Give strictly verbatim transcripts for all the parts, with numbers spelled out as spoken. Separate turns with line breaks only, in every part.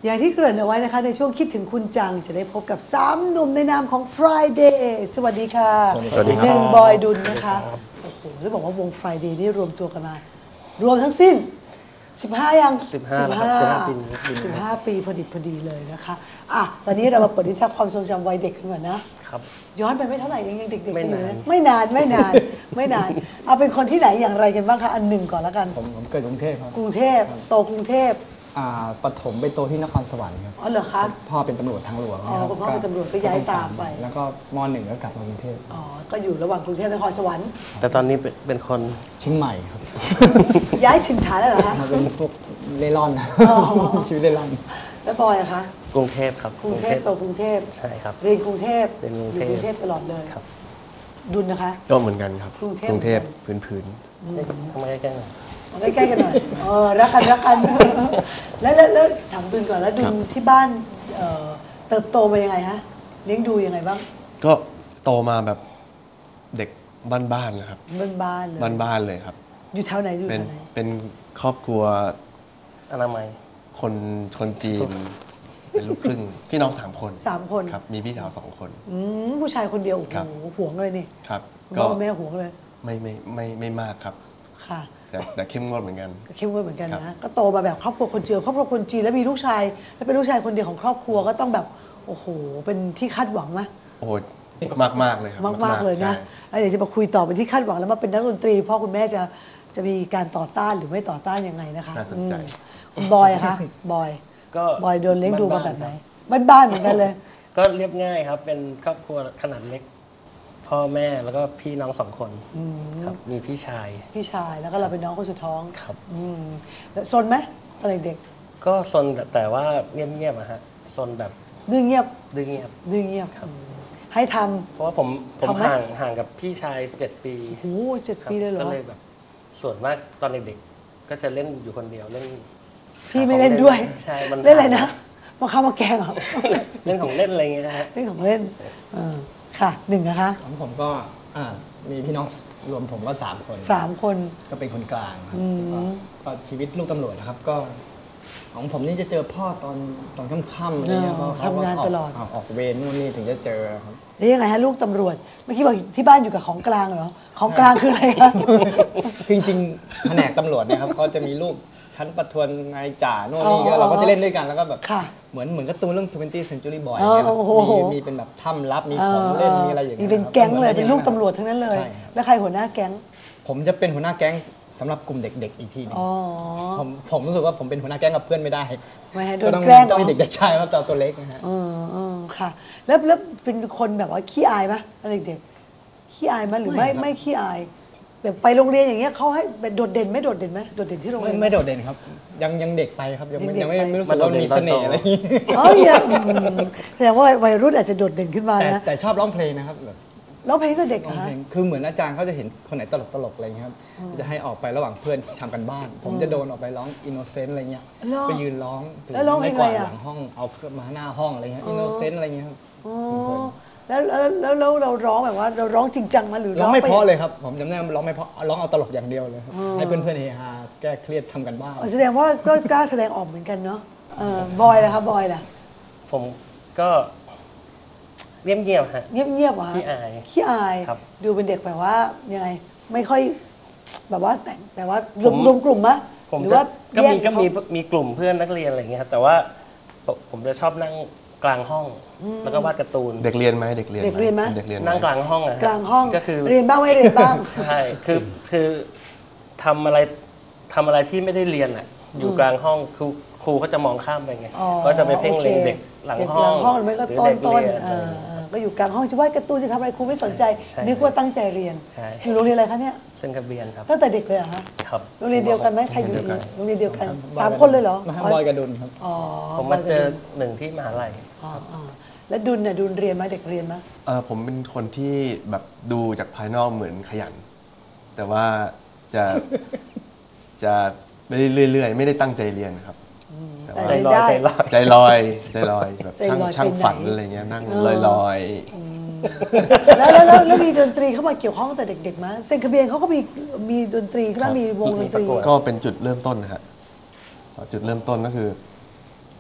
อย่างที่เกริ่นเอาไว้นะคะในช่วงคิดถึงคุณจังจะได้พบกับสามหนุ่มในนามของ Friday สวัสดีค่ะ
สวัสดีครับ
หนึ่งบอยดุลนะคะโอ้โหแล้วบอกว่าวง Friday นี่รวมตัวกันมารวมทั้งสิ้นสิบห้ายัง
สิบห้าครับสิบห้าปีนี้
สิบห้าปีพอดีพอดีเลยนะคะอ่ะตอนนี้เรามาเปิดดิฉันความทรงจำวัยเด็กกันก่อนนะครับย้อนไปไม่เท่าไหร่ยังยังเด็กๆอยู่เลยไม่นานไม่นานไม่นานเอาเป็นคนที่ไหนอย่างไรกันบ้างคะอันหนึ่งก่อนแล้วกัน
ผมผมเกิดกรุงเทพครับ
กรุงเทพโตกรุงเทพ
อ่าปฐมไปโตที่นครสวรรค์ครับ
อ๋อเหรอคะ
พ่อเป็นตำรวจทางหลวง
อ๋อคุณพ่อเป็นตำรวจก็ย้ายตามไป
แล้วก็มหนึ่งก็กลับมากรุงเทพ
อ๋อก็อยู่ระหว่างกรุงเทพนครสวรรค์
แต่ตอนนี้เป็นคน
เชียงใหม่ครับ
ย้ายถิ่นฐานแล้วเหรอคะ
มาเป็นพวกเล่ร่อนชีวิตเล่ร่อน
แล้วบอยอะคะ
กรุงเทพครับ
กรุงเทพโตกรุงเทพ
ใช่ครับ
เรียนกรุงเทพ
เรียนกรุง
อ
เทพ
ยู่กรุงเทพตลอดเลย
ครับ
ดุลนะคะ
ก็เหมือนกันครับ
กรุงเทพ
กรุงเทพพื้นพื้น
ทำไมใกล้ๆหน่อย
เอาใกล้ๆกันหน่อยเออรักกันรักกัน แล้วแล้วแล้วถามดุลก่อนแล้วดุลที่บ้านเอ่อเติบโตมายังไงฮะเลี้ยงดูยังไงบ้าง
ก็โตมาแบบเด็กบ้านๆนะครับ
บ้านๆเลย
บ้านๆเลยครับ
อยู่แถวไหนอยู่
เป็
แถ
น
วไหน
เป็นครอบครัว
อนามัย
คนคนจีน เป็นลูกครึ่ง พี่น้องสามคน
สามคน
ครับ มีพี่สาวสองคน
อืมผู้ชายคนเดียวโอ้
ครับ
โหห่วงเลยนี่
ครับ
คุณ
ก็
พ่อคุณแม่ห่วงเลย
ไม่ไม่ไม่ไม่มากครับ
ค่ะ
แต่แต่เข้มงวดเหมือนกัน
ก็เข้มงวดเหมือนกัน
ครั
นะ
บ
ก็โตมาแบบครอบครัวคนจีนครอบครัวคนจีนแล้วมีลูกชาย แล้วเป็นลูกชายคนเดียวของครอบครัวก็ต้องแบบโอ้โหเป็นที่คาดหวังไหม
โอ้มากมากๆเลยครับ
มากมากๆเลยนะ
ใช่
แล้วเดี๋ยวจะมาคุยต่อเป็นที่คาดหวังแล้วมาเป็นนักดนตรีพ่อคุณแม่จะจะมีการต่อต้านหรือไม่ต่อต้านยังไงนะคะ
น่าสนใจ
อืมคุณบอยอะคะบอย
ก็
บอยโดนเลี้ยงดูมา
บ้
แบ
นๆ
บไหนบ้านๆเหมือนกันเลย
ก็เรียบง่ายครับ เป็นครอบครัวขนาดเล็ก พ่อแม่แล้วก็พี่น้องสองคนครับ มีพี่ชาย
พี่ชายแล้วก็เราเป็นน้องคนสุดท้อง
ครับ
อืมแล้วซนไหมตอนเด็ก
ก็ซนแต่แต่ว่าเงียบๆอะฮะซนแบบ
ๆดื้อเงียบ
ดื้อเงียบ
ดื้อเงียบอืมให้ทำ
เพราะว่าผมผม
ทำไหม
ห่างห่างกับพี่ชายเจ็ดปี
โอ้โหเจ็ด
ครับ
ปีเลยเหรอ
ก็เลยแบบ ส่วนมากตอนเด็กๆก็จะเล่นอยู่คนเดียวเล่น
พี่ไม่เล่นด้วย
ใช่มัน
เล่นอะไรนะมาข้าวมาแกงเหรอ
เล่นของเล่นอะไรเงี้ยฮะ
เล่นของเล่นเออค่ะหนึ่งนะคะ
ของผมก็อ่ามีพี่น้องรวมผมก็สามคน
สามคน
ก็เป็นคนกลางครับ
อืม
ก็ก็ชีวิตลูกตำรวจนะครับก็ ของผมนี่จะเจอพ่อตอนตอนค่ำๆอะไรเงี้ย
เออ
เพระเข
ทำงาน
ก็ก
ตลอด
กออกเวรนู่นนี่ถึงจะเจอครับ
แล้วยังไงฮะลูกตำรวจเมื่อกี้บอกที่บ้านอยู่กับของกลางเหรอของกลางคืออะไรคะ
คือจริงๆแผนกตำรวจเนี่ยครับเขาจะมีลูกชั้นประทวนนายจ่าโน่นนี่
อ๋อ
เราก็จะเล่นด้วยกันแล้วก็แบบ
ค่ะ
เหมือนเหมือนการ์ตูนเรื่อง twentieth century boy
อ๋อ
เนี่ยครับ
โอ้โห
มีมีเป็นแบบถ้ำลับมีของเล่นมีอะไรอย่าง
มี
เงี้ย
เป็น
ครับ
แก๊งเลย
หมือ
เป็นลูก
อย่าง
ตำรวจทั้งนั้นเลย
ใช่ครับ
แล้วใครหัวหน้าแก๊ง
ผมจะเป็นหัวหน้าแก๊งสำหรับกลุ่มเด็กๆอีกทีหนึง
อ๋อ
ผมผมรู้สึกว่าผมเป็นหัวหน้าแก๊งกับเพื่อนไม่ได้
ไม่ให้โด
ก็
น
ต้อง
แกล้งเหร
ต้อ
อง
มีเด็กๆชายครับแต่ตัวเล็กนะฮะ
เออเออค่ะ แล้วแล้วเป็นคนแบบว่าขี้อายไหมตอนเด็กๆขี้อายไหมหรือไม่
ไม่ครับ
ไม่ขี้อายแบบไปโรงเรียนอย่างเงี้ยเขาให้แบบโดดเด่นไหม่โดดเด่นไหมโดดเด่นที่โรง
ไม่
เรียน
ไม่โดดเด่นครับ ยังยังเด็กไปครับยังไม่
ยังเด็ก
ยังไม่
ไป
ไม่รู้สึกว่ามีเสน่ห์อะไรอย่างงี้
อ๋อเนี่ยอืมแสดงว่าวัยรุ่นอาจจะโดดเด่นขึ้นมา
แต่
นะ
แต่ชอบร้องเพลงนะครับแบบ
แล้วเพลงก็เด็ก
ร้อง
นะ
เพลงคือเหมือนอาจารย์เขาจะเห็นคนไหนตลกตลกๆอะไรอย่างเงี้ยครับจะให้ออกไประหว่างเพื่อนที่ทำกันบ้าน ผมจะโดนออกไปร้องอินโนเซนต์อะไรเงี้ย
เหรอ
ไปยืนร้องถื
แล้วร้องเพลง
ไม่กวาด
อะไรอะ
หลังห้องเอาเครื่องมาหน้าห้องอะไรเงี้ยอินโนเซนต์อะไรเงี้ยครับ
อ๋อแล้วแล้วแล้วแล้วเราร้องแบบว่าเราร้องจริงจังมาหรือ
ร้องไม่
ป
เพราะเลยครับผมจำได้ว่าร้องไม่เพราะร้องเอาตลกอย่างเดียวเลยครับให้เพื่อนๆเฮฮาแก้เครียดทำกันบ้าน
อ๋อแสดงว่าก็กล้าแสดงออกเหมือนกันเนาะเออบอยล่ะครับบอยล่ะ
ผมก็เงียบๆฮะ
เงียบๆเหรอฮะ
ขี้อาย
ขี้อาย
ครับ
ดูเป็นเด็กแบบว่ายังไงไม่ค่อยแบบว่าแต่งแบบว่ารวม
ผม
รวมกลุ่มมะ
ผม
หรือ
จะ
ว่า
ก็มี
แย
ก็มี
เขา
มีกลุ่มเพื่อนนักเรียนอะไรอย่างเงี้ยครับแต่ว่าผมผมจะชอบนั่งกลางห้อง แล้วก็วาดการ์ตูน
เด็กเรียนไหมเด็กเรียน
เด็กเรียนไหม
เด็กเรียนไหม
นั่งกลางห้องอะฮะ
กลางห้อง
ก็คือ
เรียนบ้างไม่เรียนบ้าง
ใช่คือคือทำอะไรทำอะไรที่ไม่ได้เรียนอ่ะอยู่กลางห้องครูครูเขาจะมองข้ามไปไง
อ๋อ
ก็จะไปเพ่งเล็ง
โอค
เด็กหลัง
เด็ก
ห้อง
หลังห้องหรือไม่ก็
หรือ
ต้น
เด็ก
ต้น
เรียน
เอ
อะไร
อเออก็อยู่กลางห้องจะวาดการ์ตูนจะทำอะไรครูไม่สนใจ
ใช่
นึกว่าตั้งใจเรียน
ใช่
อยู่โรงเรียนอะไรคะเนี่ย
เซนคาเบียนครับ
ตั้งแต่เด็กเลยเหรอฮะ
ครับ
โรงเรียนเดียวกันไหมใครอยู่โรงเรียนเดียวกันสามคนเลยเหรอ
มาบอยกระดุนครับ
อ๋อ
ผมมาเจอบ
ยกับดุล
หนึ่งที่มหาลัย
อ๋ออ๋อแล้วดุลเนี่ยดุลเรียนไหมเด็กเรียนไหม
เออผมเป็นคนที่แบบดูจากภายนอกเหมือนขยัน แต่ว่าจะ จะไม่ได้เรื่อยๆ ไม่ได้ตั้งใจเรียนครับ แต่
แต่
ว่า
ใจ
เรียน
ลอย
ได้
ใจลอย
ใจลอยใจลอยแบบ
ใจ
ช่าง
ลอย
ช่าง
ไปไหน
ฝันอะไรเงี้ยนั่ง
เออ
ลอยลอย
แล้วแล้วแล้วแล้วมีดนตรีเข้ามาเกี่ยวข้องตั้งแต่เด็กๆมั้ยเซนคาเบียนเขาก็มีมีดนตรีใช่ไหม
ครับ
มีวงดนตรี
มีประกวด
ก็เป็นจุดเริ่มต้นนะฮะจุดเริ่มต้นก็คือ ต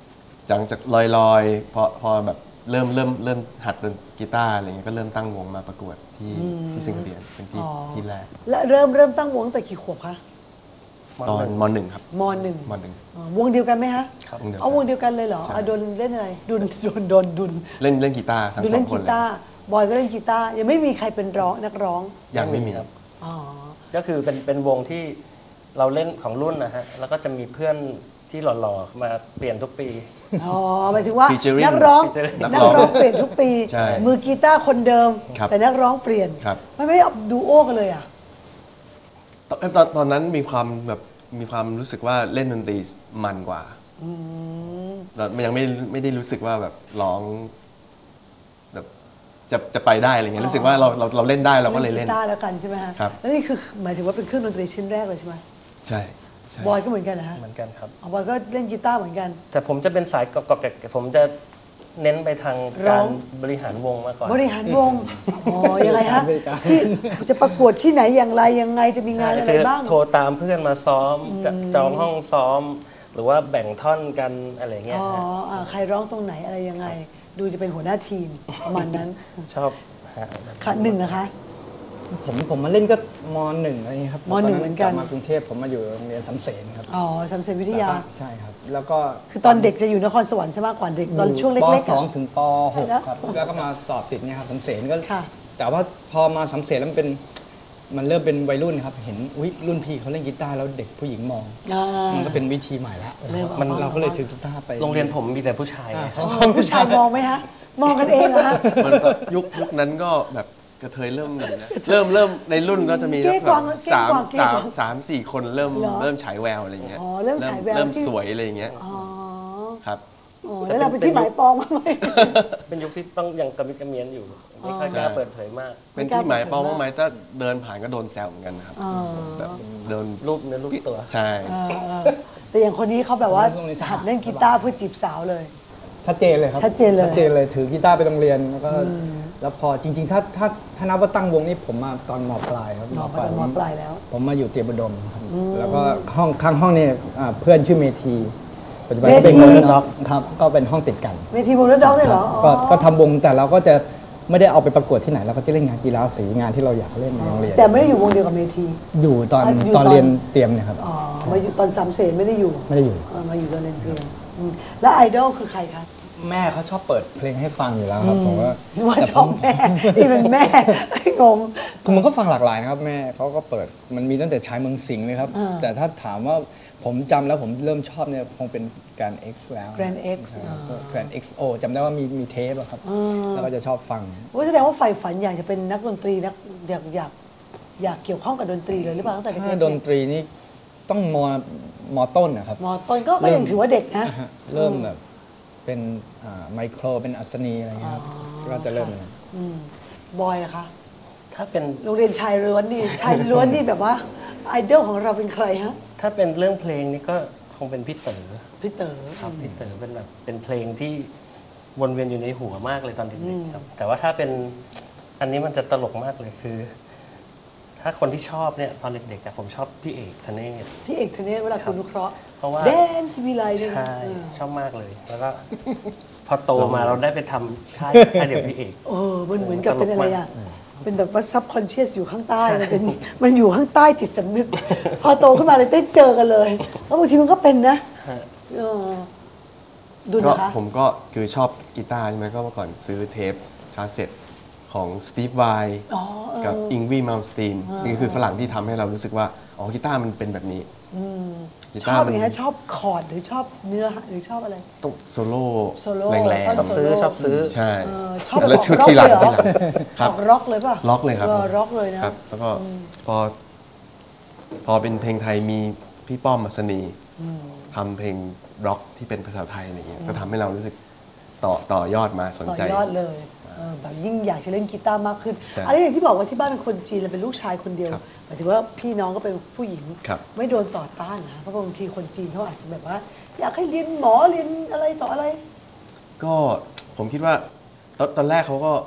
จากจากลอยๆพอพอแบบเริ่มเริ่มเริ่มหัดเล่นกีตาร์อะไรเงี้ยก็เริ่มตั้งวงมาประกวดที่ที่สิงคโปร์เป็นที่
อ๋อ
ที่แรก
และเริ่มเริ่มตั้งวงตั้งแต่กี่ขวบคะ
ตอนมหนึ่งครับ
มหนึ่ง
มหนึ่ง
อ๋อวงเดียวกันไหมฮะ
ครับ
วงเดียว
เอาวงเดียวกันเลยเหรอ
ใช่
อ่ะโดนเล่นอะไรดุนโดนโดนดุน
เล่นเล่นกีตาร์ทั้ง
ดุน
สอ
เล่
ง
น
ค
กี
นเลย
ตาร์บอยก็เล่นกีตาร์ยังไม่มีใครเป็นร้องนักร้อง
ยังไม่มี
ครับ
อ๋อ
ก็คือเป็นเป็นวงที่เราเล่นของรุ่นนะฮะแล้วก็จะมีเพื่อนที่หล่อๆมาเปลี่ยนทุกปี
อ๋อหมายถึงว่า
Featuring
นักร้อง
Featuring
นักร้องเปลี่ยนทุกปี
ใช่
มือกีตาร์คนเดิม
ครับ
แต่นักร้องเปลี่ยน
ครับ
ไม่ไม่เอาดูโอกันเลยอ่ะ
ตอนตอนตอนนั้นมีความแบบมีความรู้สึกว่าเล่นดนตรีมันกว่าเรายังไม่ไม่ได้รู้สึกว่าแบบร้องแบบจะจะไปได้อะไรเงี้ยรู้สึกว่าเราเราเราเล่นได้เราก็เลยเล่น
กีตาร์แล้วกันใช่ไหมฮะ
ครับ
แล้วนี่คือหมายถึงว่าเป็นเครื่องดนตรีชิ้นแรกเลยใช่ไหม
ใช่ใช่
บอยก็เหมือนกันนะฮะ
เหมือนกันครับ
อ๋อบอยก็เล่นกีตาร์เหมือนกัน
แต่ผมจะเป็นสายกอกๆแกะๆผมจะเน้นไปทาง
ร้
กา
อ
รง บริหารวงมากกว่า
บริหารวงอ๋อยังไงฮะ
บริการ
ที่จะประกวดที่ไหนอย่างไรยังไงจะมีงานอะไร
คือ
บ้าง
โทรตามเพื่อนมาซ้อมจะจองห้องซ้อม หรือว่าแบ่งท่อนกันอะไรเงี้ย
อ๋อ
ฮะ
อ่าใครร้องตรงไหนอะไรยังไง ดูจะเป็นหัวหน้าทีมประมาณนั้น
ชอบฮะ
ค่ะหนึ่งนะคะ
ผมผมมาเล่นก็มหนึ่งอะไรอย่างเงี้ยครับ
มหนึ่งเหมือนกัน
ตลับมากรุงเทพผมมาอยู่โรงเรียนสำเสนครับ
อ๋อสำเสนวิทยา
ใช่ครับ แล้วก็
คือตอนเด็กจะอยู่นครสวรรค์ใช่ไหมกว่าเด็กตอนช่วงเล็กๆ
ป
อะ
สองถึงปหก
แล้ว
ครับ แล้วก็มาสอบติดเนี่ยครับสำเสนก็
ค่ะ
แต่ว่าพอมาสำเสนแล้วมันเป็นมันเริ่มเป็นวัยรุ่นครับ เห็นอุ๊ยรุ่นพี่เขาเล่นกีตาร์แล้วเด็กผู้หญิงมอง
อ่า
มันก็เป็นวิธีใหม่ละ
เริ่มออก
มัน
มา
เราก็เลยถือกีตาร์ไป
โรงเรียนผมมีแต่ผู้ชายไง
อ่าเขา
อ๋อผู้ชายมองไหมฮะ มองกันเองเหรอฮะ
มันก็ยุคยุคนั้นก็แบบกระเทยเริ่มมีนะเริ่มเริ่มในรุ่นก็จะมี
เก้
แบ
กวาง
บ
เก้
สาม
กวางเก้
สาม
กวาง
สามสี่คนเริ่ม
เหรอ
เริ่มฉายแววอะไรอย่างเงี้ย
อ๋อเริ่มฉายแวว
เริ่ม
ที่
สวยอะไรอย่างเงี้ย
อ๋อ
ครับ
อ๋อแล้วเราเป็นที่หมายปองมางไหม
เป็นยุคที่ต้องยังกระมิดกระเมียนอยู่ ไม่ค่อยกล้า
ใช่
เปิดเผยมาก
เป็นที่หมายเป้าบ้างไหมถ้าเดินผ่านก็โดนแซวเหมือนกันนะครับ
อ๋อ
แบบเดิน
รูปเนื้อรูปตัว
ใช่
เออเออแต่อย่างคนนี้เขาแบบว่า
โรงเรียนทหาร
หัดเล่นกีตาร์เพื่อจีบสาวเลย
ชัดเจนเลยครับ
ชัดเจนเลย
ชัดเจนเลยถือกีตาร์ไปโรงเรียนแล้วก็แล้วพอจริง ๆ ถ้าถ้าถ้านับว่าตั้งวงนี่ผมมาตอนมปลายครับ
มปลายมปลายแล้ว
ผมมาอยู่เตรียมอุดมครับแล้วก็ห้องข้างห้องนี่อ่าเพื่อนชื่อเมธีปัจจุบันก็เป็น
เมธี
วงล็อกครับก็เป็นห้องติดกัน
เวทีวงแล้วด็อกเลยเหรอ
ก็
อ๋อ
ก็ทำวงแต่เราก็จะไม่ได้เอาไปประกวดที่ไหนเราก็จะเล่นงานกีฬาสีงานที่เราอยากเล่นในโรงเรียน
แต่ไม่ได้อยู่วงเดียวกับเมที
อยู่ตอน
อ่ะอยู่
ตอน
ตอน
เรียนเตรียมเนี่ยครับ
อ๋อมาอยู่ตอนสามเสนไม่ได้อยู่
ไม่ได้อยู่
เออมาอยู่ตอนเรียนเตรียมอืมแล้วไอดอลคือใครคะ
แม่เขาชอบเปิดเพลงให้ฟังอยู่แล้วครับผมว่า
ว่าชอบแม่ที่เป็นแม่งง
คือมันก็ฟังหลากหลายนะครับแม่เขาก็เปิดมันมีตั้งแต่ชายเมืองสิงห์เลยครับ
อ่า
แต่ถ้าถามว่าผมจำแล้วผมเริ่มชอบเนี่ยคงเป็นการ X แล้ว
Grand X
แกรน เอ็กซ์ โอ จำได้ว่ามีมีเทปอะครับ แล้วก็จะชอบฟัง
ว่าแสดงว่าใฝ่ฝันอยากจะเป็นนักดนตรีนักอยากอยากอยากเกี่ยวข้องกับดนตรีเลยหรือเปล่าตั้งแต่เด็ก
ถ้า
ๆ
ดนตรีนี่ต้องมมต้นนะครับ
มอต้นก็ก็ยังถือว่าเด็กนะ
อ่าฮะเริ่มแบบเป็นไมโครเป็นอัศนีอะไรเงี้ยครับก็จะเริ่มเลย
อืมบอยนะคะ
ถ้าเป็น
โรงเรียนชายล้วนนี่ ชายล้วนนี่แบบว่าไอดอลของเราเป็นใครฮะ
ถ้าเป็นเรื่องเพลงนี่ก็คงเป็นพี่เต๋อ
พี่เต๋อ
ครับพี่เต๋อเป็นแบบเป็นเพลงที่วนเวียนอยู่ในหัวมากเลยตอนเด็กๆครับ แต่ว่าถ้าเป็นอันนี้มันจะตลกมากเลยคือ ถ้าคนที่ชอบเนี่ยตอนเด็กๆอะผมชอบพี่เอกธเนศ
พี่เอกธเนศเวลาคุณนุเคราะห์
เพราะว่า
แดนซิวิไลเนี่ยนะ
ใช่
เออ
ชอบมากเลย แล้วก็ พอโตมาเราได้ไปทำค่ายค่ายเดียวพี่เอก
เออมันเหมือนกับ
ตลก
เป็นอะไร
มาก
อ่ะเป็นแบบว่าซับคอนเชียสอยู่ข้างใต้มันเป็นมันอยู่ข้างใต้จิตสำนึก พอโตขึ้นมาเลยได้เจอกันเลยแล้วบางทีมันก็เป็นนะ
ฮะ
เออดู
ก็
นะคะ
ผมก็คือชอบกีตาร์ใช่ไหมก็เมื่อก่อนซื้อเทปคาสเซ็ตของสตีฟไว
อ๋อเออ
กับอิงวีมัลสตีนนี่คือฝรั่งที่ทำให้เรารู้สึกว่า อ๋อกีตาร์มันเป็นแบบนี้กี
ช
ตา
อบ
ร์
อ
มั
ย่างนี้ชอบคอร์ดหรือชอบเนื้อหรือชอบอะไร
ต้องโซโล่
โซโล่
แรง
ชอบ
ซื้อ
โซโล่
ชอบซื้อ
ๆ ใช่
เออชอบ
แล้ว
ออก
ชุด
ร็อก
ที่หลัง
เลยเหรอ
ที่หลังค
อ
รับ
อกร็อกเลยป่ะ
ล็อกเลยครับ
ออร็อกเลยนะครับ
แล้วก็พอพอเป็นเพลงไทยมีพี่ป้อมมัสนีทำเพลงร็อกที่เป็นภาษาไทยอะไรเงี้ยก็ทำให้เรารู้สึกต่อต่อยอดมาสน
ต่อ
ใจ
ยอดเลยเออแบบยิ่งอยากจะเล่นกีตาร์มากขึ้น
ใช่
อะไรอย่างที่บอกว่าที่บ้านเป็นคนจีนเลยเป็นลูกชายคนเดียว
ครับ
หมายถึงว่าพี่น้องก็เป็นผู้หญิง
ครับ
ไม่โดนต่อต้านนะเพราะบางทีคนจีนเขาอาจจะแบบว่า อยากให้เรียนหมอเรียนอะไรต่ออะไร
ก็ผมคิดว่าตอนตอนแรกเขาก็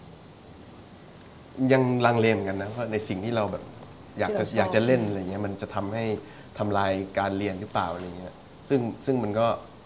ยังลังเลเหมือนกันนะว่าในสิ่งที่เราแบบ อยากจะ
ที่เราชอบ
อยากจะเล่นอะไรเงี้ยมันจะทำให้ทำลายการเรียนหรือเปล่าอะไรเงี้ยซึ่งซึ่งมันก็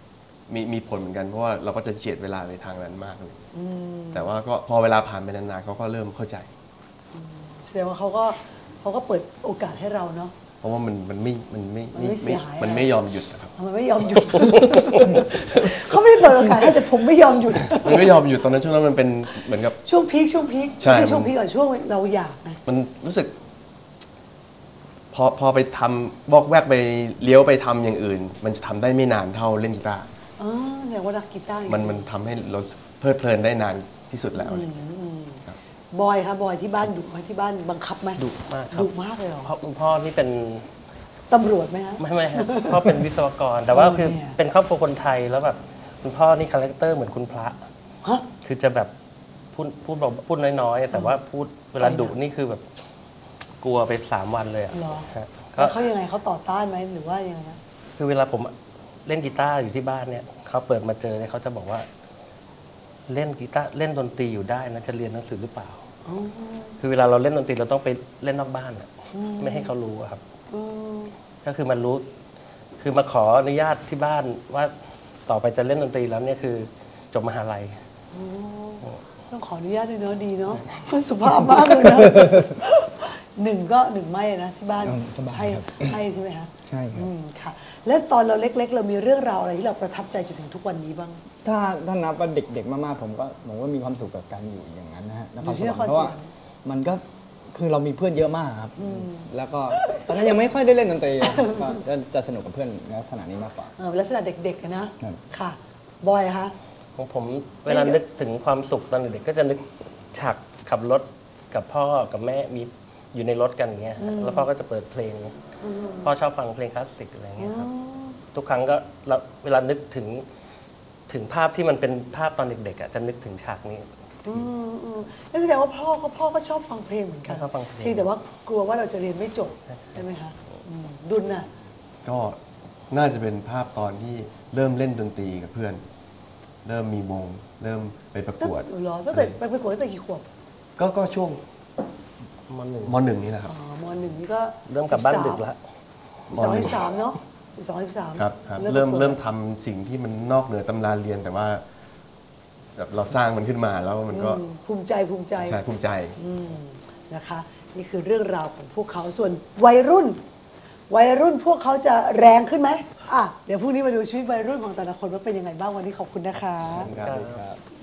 มีมีผลเหมือนกันเพราะว่าเราก็จะเฉียดเวลาไปทางนั้นมากเลยแต่ว่าก็พอเวลาผ่านไปนานๆเขาก็เริ่มเข้าใจ
แสดงว่าเขาก็เขาก็เปิดโอกาสให้เราเนาะ
เพราะว่ามันมันไม่มันไม่
มันไม่เสียหาย
มันไม่ยอมหยุดนะครับ
มันไม่ยอมหยุด เขาไม่ได้เปิดโอกาสให้แต่ผมไม่ยอมหยุด
มันไม่ยอมหยุดตอนนั้นช่วงนั้นมันเป็นเหมือนกับ
ช่วงพีคช่วงพีค
ใช่
ไม่ใช่ช่วง
มัน
พีคก่อนช่วงเราอยากไง
มันรู้สึก พอพอไปทำบอกแวกไปเลี้ยวไปทำอย่างอื่น มันจะทำได้ไม่นานเท่าเล่นกีตาร์
อ๋อเนี่ยว่านักกีตาร์จริงๆ
มันมันทำให้เราเพลิดเพลินได้นานที่สุดแล้วอะไรอย่างเงี้ย
บอยครับบอยที่บ้านดุไหมที่บ้านบังคับไหม
ดุมากครับ
ดุมากเลยเหรอ
เพราะคุณพ่อนี่เป็น
ตำรวจไหมฮะ
ไม่ไม่ครับ พ่อเป็นวิศวกร แต่ว่า
เออ
คือ
เนี่ย
เป็นครอบครัวคนไทยแล้วแบบคุณพ่อนี่คาแรคเตอร์เหมือนคุณพระ
ฮะ
คือจะแบบพูดพูดเบาพูดน้อยๆ แต่ว่าพูดเวลาดุนี่คือแบบกลัวไปสามวันเลยอะ
เหรอ
ฮะก็
แล้วเขายังไงเขาต่อต้านไหมหรือว่ายังไงนะ
คือเวลาผมเล่นกีตาร์อยู่ที่บ้านเนี่ยเขาเปิดมาเจอเนี่ยเขาจะบอกว่า เล่นกีตาร์เล่นดนตรีอยู่ได้นะจะเรียนหนังสือหรือเปล่า
อ๋อ
คือเวลาเราเล่นดนตรีเราต้องไปเล่นนอกบ้านอะไม่ให้เขารู้อะครับ
อืม
ก็คือมันรู้ คือมาขออนุญาตที่บ้านว่าต่อไปจะเล่นดนตรีแล้วเนี่ยคือจบมหาลัย
ต้องขออนุญาตด้วยเนาะดีเนาะ สุภาพมากเลยนะหนึ่งก็หนึ่งไม่นะที่บ้าน
อืมสบาย
ให้
ครับ
ให้ใช่ไหมคะ
ใช่ครับ
อืมค่ะ แล้วตอนเราเล็ก ๆ เรามีเรื่องราวอะไรที่เราประทับใจจนถึงทุกวันนี้บ้าง
ถ้าถ้านับว่าเด็กๆมากๆผมก็ผมก็มีความสุขกับการอยู่อย่างนั้นนะฮะนคร
อยู่ที่
ส
น
วร
คร
รค์เพราะว่า
สวรรค์
มันก็คือเรามีเพื่อนเยอะมากครับ แล้วก็ตอนนั้นยังไม่ค่อยได้เล่นดนตรีก็จะจะสนุกกับเพื่อนในลักษณะนี้มากกว่า
เออลักษณะเด็กๆอะนะ
ครับ
ค่ะ บอยคะ
ของผมเวลานึกถึงความสุขตอนเด็กๆก็จะนึกฉากขับรถกับพ่อกับแม่มีอยู่ในรถกันอย่างเงี้ยฮะแล้วพ่อก็จะเปิดเพลง พ่อชอบฟังเพลงคลาสสิกอะไรเงี้ยครับทุกครั้งก็เราเวลานึกถึงถึงภาพที่มันเป็นภาพตอนเด็กๆอ่ะจะนึกถึงฉากนี้
อืมอืมนั่นแสดงว่าพ่อก็พ่อก็ชอบฟังเพลงเหมือนกัน
ชอบฟังเพลง
เพียงแต่ว่ากลัวว่าเราจะเรียนไม่จบใช่ไหมคะอืมดุลน่ะ
ก็น่าจะเป็นภาพตอนที่เริ่มเล่นดนตรีกับเพื่อน เริ่มมีวงเริ่มไปประกวด
เหรอตั้งแต่ไปประกวดตั้งแต่กี่ขวบ
ก็ก็ช่วง
มหนึ่ง
มหนึ่งนี่แหละครับ
อ๋อมหนึ่งนี่ก็
เริ่มกลับบ้านดึกแล้ว
สองสิบสามเนาะสองสิบสาม
ครับครับเริ่มเริ่มทำสิ่งที่มันนอกเหนือตำราเรียนแต่ว่าแบบเราสร้างมันขึ้นมาแล้วมันก็
อืมภูมิใจภูมิใจ
ใช่ภูมิใจ
อืมนะคะ นี่คือเรื่องราวของพวกเขาส่วนวัยรุ่น วัยรุ่นพวกเขาจะแรงขึ้นไหมอ่ะเดี๋ยวพรุ่งนี้มาดูชีวิตวัยรุ่นของแต่ละคนว่าเป็นยังไงบ้างวันนี้ขอบคุณนะคะ
ครับ